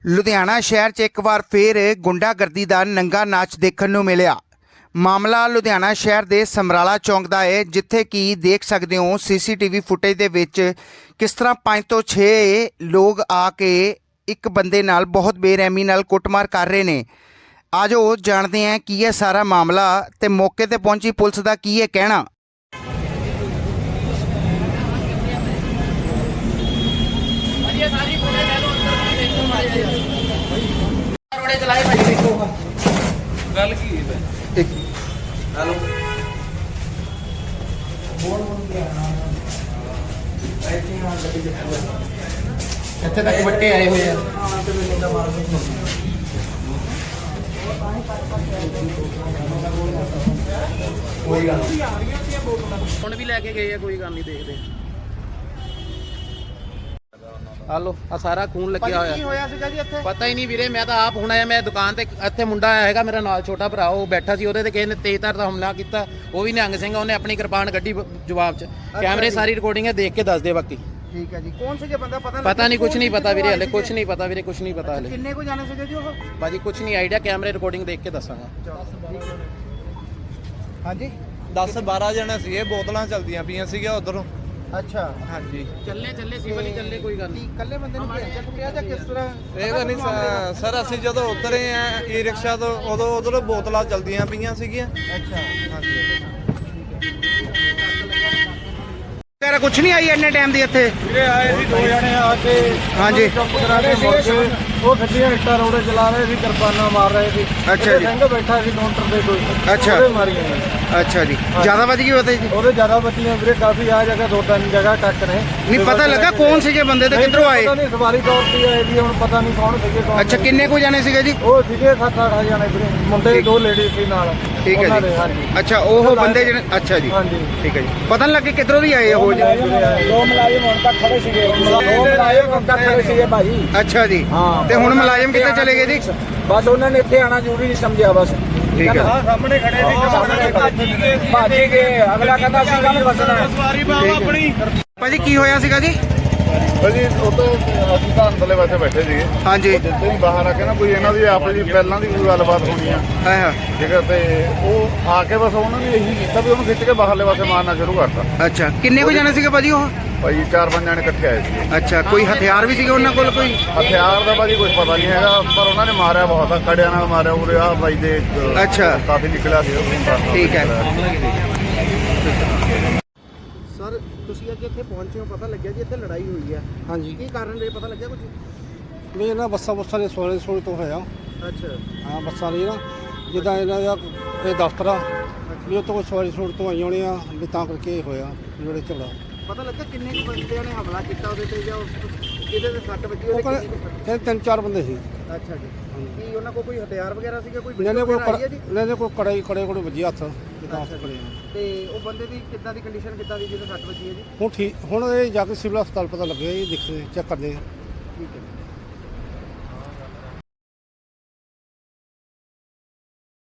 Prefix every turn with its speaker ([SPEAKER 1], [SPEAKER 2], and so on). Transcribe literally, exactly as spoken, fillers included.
[SPEAKER 1] ਲੁਧਿਆਣਾ ਸ਼ਹਿਰ 'ਚ ਇੱਕ ਵਾਰ ਫੇਰ ਗੁੰਡਾਗਰਦੀ ਦਾ ਨੰਗਾ ਨਾਚ ਦੇਖਣ ਨੂੰ ਮਿਲਿਆ। ਮਾਮਲਾ ਲੁਧਿਆਣਾ ਸ਼ਹਿਰ ਦੇ ਸਮਰਾਲਾ ਚੌਂਕ ਦਾ ਹੈ, ਜਿੱਥੇ ਕਿ ਦੇਖ ਸਕਦੇ ਹੋ ਸੀਸੀਟੀਵੀ ਫੁਟੇਜ ਦੇ ਵਿੱਚ ਕਿਸ ਤਰ੍ਹਾਂ ਪੰਜ ਤੋਂ ਛੇ ਲੋਕ ਆ ਕੇ ਇੱਕ ਬੰਦੇ ਨਾਲ ਬਹੁਤ ਬੇਰਹਿਮੀ ਨਾਲ ਕੁੱਟਮਾਰ ਕਰ ਰਹੇ ਨੇ। ਆਜੋ ਜਾਣਦੇ ਹਾਂ ਕੀ ਹੈ ਸਾਰਾ ਮਾਮਲਾ ਤੇ ਮੌਕੇ ਤੇ ਪਹੁੰਚੀ ਪੁਲਿਸ ਦਾ ਕੀ ਹੈ ਕਹਿਣਾ।
[SPEAKER 2] ਗੱਲ ਕੀ ਹੈ
[SPEAKER 1] ਇੱਕ
[SPEAKER 2] ਹੈਲੋ
[SPEAKER 1] ਇੱਥੇ ਤੱਕ ਵੱਟੇ ਆਏ ਹੋਏ ਆ।
[SPEAKER 2] ਕੋਈ ਗੱਲ ਨਹੀਂ ਹੁਣ ਵੀ ਲੈ ਕੇ ਗਏ ਆ, ਕੋਈ ਗੱਲ ਨਹੀਂ ਦੇਖਦੇ। ਹਲੋ ਆ ਸਾਰਾ ਖੂਨ ਲੱਗਿਆ ਹੋਇਆ।
[SPEAKER 1] ਕੀ ਹੋਇਆ ਸੀਗਾ ਜੀ ਇੱਥੇ?
[SPEAKER 2] ਪਤਾ ਹੀ ਨਹੀਂ ਵੀਰੇ, ਮੈਂ ਤਾਂ ਆਪ ਹੁਣ ਆਇਆ। ਮੈਂ ਦੁਕਾਨ ਤੇ ਇੱਥੇ ਮੁੰਡਾ ਆਇਆ ਹੈਗਾ ਮੇਰਾ ਨਾਲ, ਛੋਟਾ ਭਰਾ, ਉਹ ਬੈਠਾ ਸੀ, ਉਹਦੇ ਤੇ ਕਿਸੇ ਨੇ ਤੇਜ਼ਧਾਰ ਦਾ ਹਮਲਾ ਕੀਤਾ। ਉਹ ਵੀ ਨਿਹੰਗ ਸਿੰਘ, ਉਹਨੇ ਆਪਣੀ ਕਿਰਪਾਨ ਕੱਢੀ ਜਵਾਬ 'ਚ। ਕੈਮਰੇ ਸਾਰੀ ਰਿਕਾਰਡਿੰਗ ਹੈ, ਦੇਖ ਕੇ ਦੱਸ ਦੇ ਬਾਕੀ।
[SPEAKER 1] ਠੀਕ ਹੈ ਜੀ। ਕੌਣ ਸੀਗਾ ਬੰਦਾ ਪਤਾ
[SPEAKER 2] ਪਤਾ ਨਹੀਂ, ਕੁਝ ਨਹੀਂ ਪਤਾ ਵੀਰੇ, ਹਲੇ ਕੁਝ ਨਹੀਂ ਪਤਾ ਵੀਰੇ, ਕੁਝ ਨਹੀਂ ਪਤਾ ਹਲੇ।
[SPEAKER 1] ਕਿੰਨੇ ਕੋ ਜਾਣੇ ਸੀਗੇ ਜੀ ਉਹ?
[SPEAKER 2] ਬਾਜੀ ਕੁਝ ਨਹੀਂ ਆਈਡੀਆ, ਕੈਮਰੇ ਰਿਕਾਰਡਿੰਗ ਦੇਖ ਕੇ ਦੱਸਾਂਗਾ।
[SPEAKER 1] ਹਾਂਜੀ
[SPEAKER 3] ਦਸ ਬਾਰਾਂ ਜਣੇ ਸੀਗੇ, ਬੋਤਲਾਂ ਚਲਦੀਆਂ ਪਈਆਂ ਸੀਗੀਆਂ ਉਧਰੋਂ।
[SPEAKER 1] ਅੱਛਾ
[SPEAKER 3] ਹਾਂਜੀ
[SPEAKER 2] ਚੱਲੇ ਚੱਲੇ ਸਿਵਲ ਹੀ ਚੱਲੇ, ਕੋਈ ਗੱਲ ਨਹੀਂ।
[SPEAKER 1] ਇਕੱਲੇ ਬੰਦੇ ਨੂੰ ਭੇਜਿਆ ਕੁੱਟਿਆ ਜਾਂ ਕਿਸ ਤਰ੍ਹਾਂ?
[SPEAKER 3] ਇਹ ਤਾਂ ਨਹੀਂ ਸ- ਸਰ, ਅਸੀਂ ਜਦੋਂ ਉਤਰੇ ਆ ਈ ਰਿਕਸ਼ਾ ਤੋਂ, ਉਦੋਂ ਉਧਰੋਂ ਬੋਤਲਾਂ ਚਲਦੀਆਂ ਪਈਆਂ ਸੀਗੀਆਂ।
[SPEAKER 1] ਅੱਛਾ
[SPEAKER 3] ਹਾਂਜੀ
[SPEAKER 1] ਤੇਰਾ ਕੁਝ ਨਹੀਂ ਆਈ ਇੰਨੇ ਟਾਈਮ ਦੀ ਇੱਥੇ?
[SPEAKER 3] ਵੀਰੇ ਆਏ ਸੀ ਦੋ ਜਣੇ ਆ ਕੇ,
[SPEAKER 1] ਹਾਂਜੀ।
[SPEAKER 3] ਚੁੱਪ ਕਰਾ ਕੇ ਮੁੜ ਕੇ ਉਹ ਗੱਡੀਆਂ ਇੱਟਾਂ ਰੋੜੇ ਚਲਾ ਰਹੇ ਸੀ, ਕਿਰਪਾਨਾਂ ਮਾਰ ਰਹੇ ਸੀ।
[SPEAKER 1] ਅੱਛਾ ਜੀ।
[SPEAKER 3] ਸਿੰਘ ਬੈਠਾ ਸੀ ਕਾਊਂਟਰ ਤੇ ਕੋਈ,
[SPEAKER 1] ਅੱਛਾ।
[SPEAKER 3] ਉਹਦੇ ਮਾਰੀਆਂ ਨੇ।
[SPEAKER 1] ਅੱਛਾ ਜੀ, ਜ਼ਿਆਦਾ ਵੱਜ ਗਈ ਉਹਦੇ ਜੀ?
[SPEAKER 3] ਉਹਦੇ ਜ਼ਿਆਦਾ ਬੱਚੀਆਂ ਵੀਰੇ, ਕਾਫੀ ਆ ਜਗ੍ਹਾ ਦੋ ਤਿੰਨ ਜਗ੍ਹਾ ਟੱਕ ਨੇ।
[SPEAKER 1] ਨਹੀਂ ਪਤਾ ਲੱਗਾ ਕੌਣ ਸੀਗੇ ਬੰਦੇ ਤੇ ਕਿੱਧਰੋਂ ਆਏ?
[SPEAKER 3] ਪਤਾ ਨਹੀਂ, ਸਵਾਰੀ ਤੌਰ ਤੇ ਆਏ ਵੀ, ਹੁਣ ਪਤਾ ਨਹੀਂ ਕੌਣ ਸੀਗੇ ਕੌਣ।
[SPEAKER 1] ਅੱਛਾ, ਕਿੰਨੇ ਕੋ ਜਾਣੇ ਸੀਗੇ ਜੀ?
[SPEAKER 3] ਉਹ ਸੀਗੇ ਸੱਤ ਅੱਠ ਜਣੇ ਵੀਰੇ, ਮੁੰਡੇ ਦੋ ਲੇਡੀ ਸੀ ਨਾਲ।
[SPEAKER 1] ਠੀਕ ਹੈ
[SPEAKER 3] ਉਹਨਾਂ
[SPEAKER 1] ਜੀ।
[SPEAKER 3] ਦੇ, ਹਾਂਜੀ।
[SPEAKER 1] ਅੱਛਾ, ਉਹ ਬੰਦੇ ਜਿਹੜੇ, ਅੱਛਾ ਜੀ,
[SPEAKER 3] ਹਾਂਜੀ
[SPEAKER 1] ਠੀਕ ਹੈ ਜੀ। ਪਤਾ ਨਹੀਂ ਲੱਗੇ ਕਿੱਧਰੋਂ ਦੀ ਆਏ ਉਹ ਜੀ?
[SPEAKER 3] ਦੋ ਮੁਲਾਜ਼ਮ ਹੁਣ ਤੱਕ ਖੜੇ ਸੀਗੇ, ਦੋ ਮੁਲਾਜ਼ਮ ਹੁਣ ਤੱਕ ਖੜੇ ਸੀਗੇ ਭਾਜੀ।
[SPEAKER 1] ਅੱਛਾ ਜੀ,
[SPEAKER 3] ਹਾਂ।
[SPEAKER 1] ਤੇ ਹੁਣ ਮੁਲਾਜ਼ਮ ਕਿੱਥੇ ਚਲੇ ਗਏ ਜੀ?
[SPEAKER 3] ਬਸ ਉਹਨਾਂ ਨੇ ਇੱਥੇ ਆਣਾ ਜ਼ਰੂਰੀ ਨਹੀਂ ਸਮਝਿਆ ਬਸ।
[SPEAKER 1] ਠੀਕ ਹੈ।
[SPEAKER 3] ਹਾਂ, ਸਾਹਮਣੇ ਖੜੇ ਸੀ, ਸਾਹਮਣੇ ਭੱਜ ਗਏ। ਅਗਲਾ ਕਹਿੰਦਾ ਸੀ ਗੱਲ ਬਸਣਾ। ਸਵਾਰੀ ਬਾਬਾ ਆਪਣੀ।
[SPEAKER 1] ਭਾਜੀ ਕੀ ਹੋਇਆ ਸੀਗਾ ਜੀ?
[SPEAKER 4] ਭਾਜੀ ਉਹ ਤੋਂ ਅਸੀਂ ਤਾਂ ਅੰਦਰਲੇ ਪਾਸੇ ਬੈਠੇ ਸੀਗੇ।
[SPEAKER 1] ਹਾਂਜੀ।
[SPEAKER 4] ਜਿੱਥੇ ਹੀ ਬਾਹਰ ਆ ਕੇ ਨਾ ਕੋਈ ਇਹਨਾਂ ਦੀ ਆਪਸ ਦੀ ਪਹਿਲਾਂ ਦੀ ਕੋਈ ਗੱਲਬਾਤ ਹੋਣੀ ਆ,
[SPEAKER 1] ਹਾਂ ਹਾਂ।
[SPEAKER 4] ਠੀਕ ਹੈ, ਤੇ ਉਹ ਆ ਕੇ ਬਸ ਉਹਨਾਂ ਨੇ ਇਹੀ ਕੀਤਾ ਵੀ ਉਹਨੂੰ ਖਿੱਚ ਕੇ ਬਾਹਰਲੇ ਪਾਸੇ ਮਾਰਨਾ ਸ਼ੁਰੂ ਕਰਤਾ।
[SPEAKER 1] ਅੱਛਾ, ਕਿੰਨੇ ਕੋ ਜਾਣੇ ਸੀਗੇ ਭਾਜੀ ਉਹ?
[SPEAKER 4] ਭਾਜੀ ਚਾਰ ਪੰਜ ਜਣੇ ਇਕੱਠੇ ਆਏ ਸੀਗੇ।
[SPEAKER 1] ਅੱਛਾ, ਕੋਈ ਹਥਿਆਰ ਵੀ ਸੀਗੇ ਉਹਨਾਂ ਕੋਲ? ਕੋਈ
[SPEAKER 4] ਹਥਿਆਰ ਦਾ ਭਾਜੀ ਕੁਝ ਪਤਾ ਨਹੀਂ ਹੈਗਾ, ਪਰ ਉਹਨਾਂ ਨੇ ਮਾਰਿਆ ਬਹੁਤ ਆ, ਕੜਿਆਂ ਨਾਲ ਮਾਰਿਆ। ਉਰੇ ਆ ਬਾਈ ਦੇ ਅਹ,
[SPEAKER 1] ਅੱਛਾ।
[SPEAKER 4] ਕਾਫੀ ਨਿਕਲਿਆ ਸੀ ਉਹ।
[SPEAKER 1] ਠੀਕ ਹੈ।
[SPEAKER 5] ਸਰ ਤੁਸੀਂ ਅੱਜ ਇੱਥੇ ਪਹੁੰਚੇ ਹੋ, ਪਤਾ ਲੱਗਿਆ ਜੀ ਇੱਥੇ ਲੜਾਈ ਹੋਈ ਹੈ।
[SPEAKER 3] ਹਾਂਜੀ।
[SPEAKER 5] ਕੀ ਕਾਰਨ ਇਹ ਪਤਾ ਲੱਗਿਆ ਕੁਝ?
[SPEAKER 3] ਨਹੀਂ, ਇਹਨਾਂ ਬੱਸਾਂ ਬੱਸਾਂ ਦੇ ਸੋਲੇ ਸੋਲੇ ਤੋਂ ਹੋਇਆ।
[SPEAKER 5] ਅੱਛਾ
[SPEAKER 3] ਹਾਂ, ਬੱਸਾਂ ਲਈ ਨਾ ਜਿੱਦਾਂ ਇਹਨਾਂ ਦਾ ਇਹ ਦਫ਼ਤਰ ਆ ਵੀ ਉਹ ਤੋਂ ਸਵਾਰੀ ਸੋੜ ਤੋਂ ਆਈ ਹੋਣੀ ਆ, ਵੀ ਤਾਂ ਕਰਕੇ ਇਹ ਹੋਇਆ ਜਿਹੜੇ ਝਗੜਾ।
[SPEAKER 5] ਪਤਾ ਲੱਗਾ ਕਿੰਨੇ ਕੁ ਬੰਦਿਆਂ ਨੇ ਹਮਲਾ ਕੀਤਾ ਉਹਦੇ ਤੇ, ਜਾਂ ਉਸ- ਇਹਦੇ ਤੇ ਸੱਟ ਵੱਜੀ
[SPEAKER 3] ਉਹ
[SPEAKER 5] ਉਹਦੇ
[SPEAKER 3] ਕਹਿੰਦੇ
[SPEAKER 5] ਕਿੰਨੀ ਕੁ?
[SPEAKER 3] ਤਿੰਨ ਤਿੰਨ ਚਾਰ ਬੰਦੇ ਸੀ।
[SPEAKER 5] ਅੱਛਾ ਜੀ। ਕੀ ਉਹਨਾਂ ਕੋਲ ਕੋਈ ਹਥਿਆਰ ਵਗੈਰਾ ਸੀਗਾ? ਕੋਈ
[SPEAKER 3] ਲੈਣੇ ਕੋਈ
[SPEAKER 5] ਵਗੈਰਾ ਆਈ ਹੈ ਜੀ?
[SPEAKER 3] ਲੈਣੇ ਕੋਈ ਕੜਾਈ ਕੜੇ ਕੋਲ ਵੱਜੀ ਹੱਥ ਜਿੱਦਾਂ ਹੱਥ ਕੜੇ।
[SPEAKER 5] ਤੇ ਉਹ ਬੰਦੇ ਦੀ ਕਿੱਦਾਂ ਦੀ ਕੰਡੀਸ਼ਨ, ਕਿੱਦਾਂ ਦੀ ਜਿਹਦੇ ਸੱਟ ਵੱਜੀ ਹੈ ਜੀ?
[SPEAKER 3] ਹੁਣ ਠੀਕ, ਹੁਣ ਇਹ ਜਾ ਕੇ ਸਿਵਲ ਹਸਪਤਾਲ ਪਤਾ ਲੱਗਿਆ, ਇਹ ਦੇਖਦੇ ਚੈੱਕ ਕਰਦੇ ਆ।
[SPEAKER 5] ਠੀਕ ਹੈ।